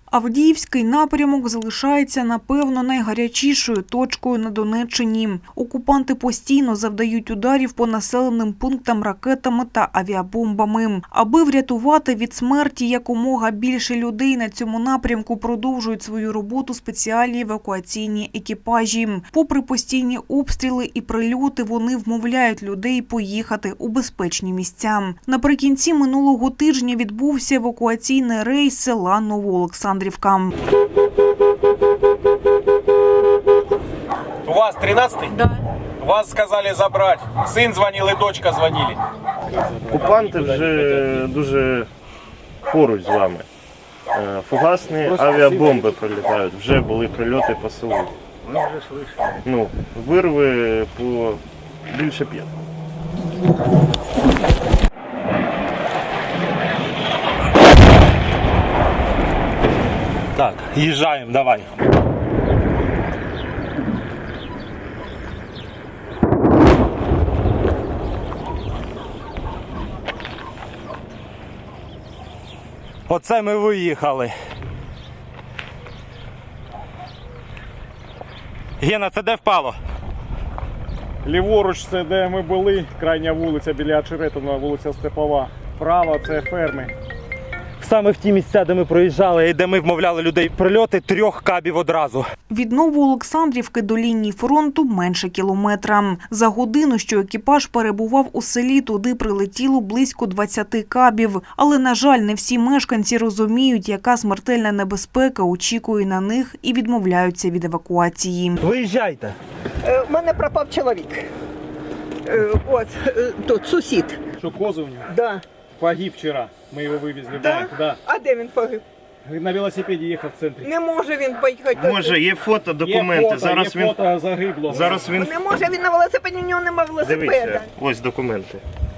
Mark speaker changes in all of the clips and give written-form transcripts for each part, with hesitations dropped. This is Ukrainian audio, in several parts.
Speaker 1: Авдіївський напрямок залишається, напевно, найгарячішою точкою на Донеччині. Окупанти постійно завдають ударів по населеним пунктам ракетами та авіабомбами. Аби врятувати від смерті якомога більше людей, на цьому напрямку продовжують свою роботу спеціальні евакуаційні екіпажі. Попри постійні обстріли і прильоти, вони вмовляють людей поїхати у безпечні місця. Наприкінці минулого тижня відбувся евакуаційний рейс села Новоолександрівка.
Speaker 2: У вас 13-й?
Speaker 3: Да.
Speaker 2: Вас сказали забрать. Сын звонил и дочка звонили.
Speaker 4: Окупанти вже дуже поруч з вами. Фугасні авіабомби прилітають. Вже були прильоти по селу. Вирви по більше 5.
Speaker 5: Так, їжджаємо, давай. Оце ми виїхали. Гена, це де впало?
Speaker 6: Ліворуч це де ми були, крайня вулиця біля Очеретина, вулиця Степова. Право це ферми.
Speaker 5: Саме в ті місця, де ми проїжджали і де ми вмовляли людей прильоти, 3 кабів одразу.
Speaker 1: Від Новоолександрівки до лінії фронту менше кілометра. За годину, що екіпаж перебував у селі, туди прилетіло близько 20 кабів. Але, на жаль, не всі мешканці розуміють, яка смертельна небезпека очікує на них і відмовляються від евакуації.
Speaker 5: Виїжджайте.
Speaker 3: У мене пропав чоловік. От, тут, сусід.
Speaker 6: Що кози у нього?
Speaker 3: Да.
Speaker 6: Погиб вчора. Ми його вивезли в
Speaker 3: Да?
Speaker 6: банк. Да.
Speaker 3: А де він погиб?
Speaker 6: На велосипеді їхав в центрі.
Speaker 3: Не може він поїхати.
Speaker 4: Може, є фото, документи.
Speaker 6: Є фото загиблого.
Speaker 4: Зараз він...
Speaker 3: Не може, він на велосипеді, у нього немає велосипеда.
Speaker 4: Дивіться, ось документи.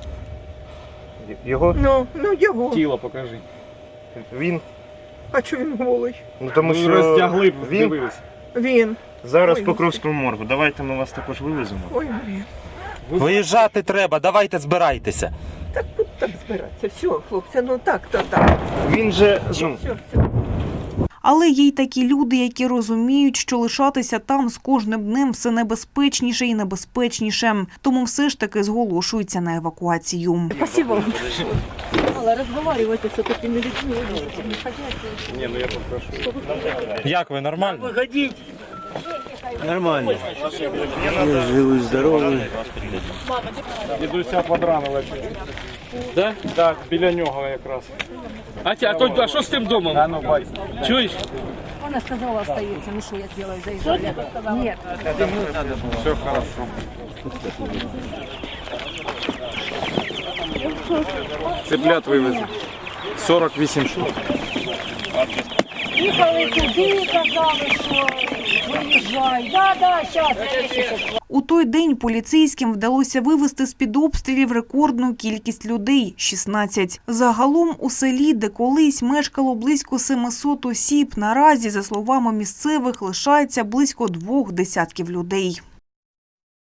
Speaker 4: Його?
Speaker 3: Ну його.
Speaker 6: Тіло покажи.
Speaker 4: Він.
Speaker 3: А чого він голий?
Speaker 4: Тому
Speaker 6: Ми
Speaker 4: що
Speaker 6: роздягли,
Speaker 4: він
Speaker 6: дивились.
Speaker 3: Він.
Speaker 4: зараз
Speaker 3: Ой,
Speaker 4: по Покровському моргу. Давайте ми вас також вивеземо.
Speaker 3: Ой, блін.
Speaker 5: Виїжджати треба, давайте збирайтеся.
Speaker 3: Так тут так збиратися. Все, хлопці, ну так, то так.
Speaker 4: Він же...
Speaker 3: Все.
Speaker 1: Але є й такі люди, які розуміють, що лишатися там з кожним днем все небезпечніше і небезпечніше. Тому все ж таки зголошуються на евакуацію.
Speaker 7: Спасибо вам. Мало разговаривать с такими людьми.
Speaker 6: Ні, ну я попрошу.
Speaker 5: Як ви, нормально?
Speaker 8: Нормально. Я живий, здоровий.
Speaker 6: Дідуся подранили.
Speaker 9: Да?
Speaker 6: Так, біля нього якраз.
Speaker 9: А що з тим домом?
Speaker 6: А ну, бать.
Speaker 9: Чуєш?
Speaker 7: Она сказала, остается. Ну что я сделаю, заезжали? Нет.
Speaker 6: Все хорошо. Цыплят вивезли. 48 штук.
Speaker 7: Їхали туди, казали, що виїжджай. Да, зараз.
Speaker 1: У той день поліцейським вдалося вивезти з-під обстрілів рекордну кількість людей – 16. Загалом у селі, де колись мешкало близько 700 осіб, наразі, за словами місцевих, лишається близько 2 десятків людей.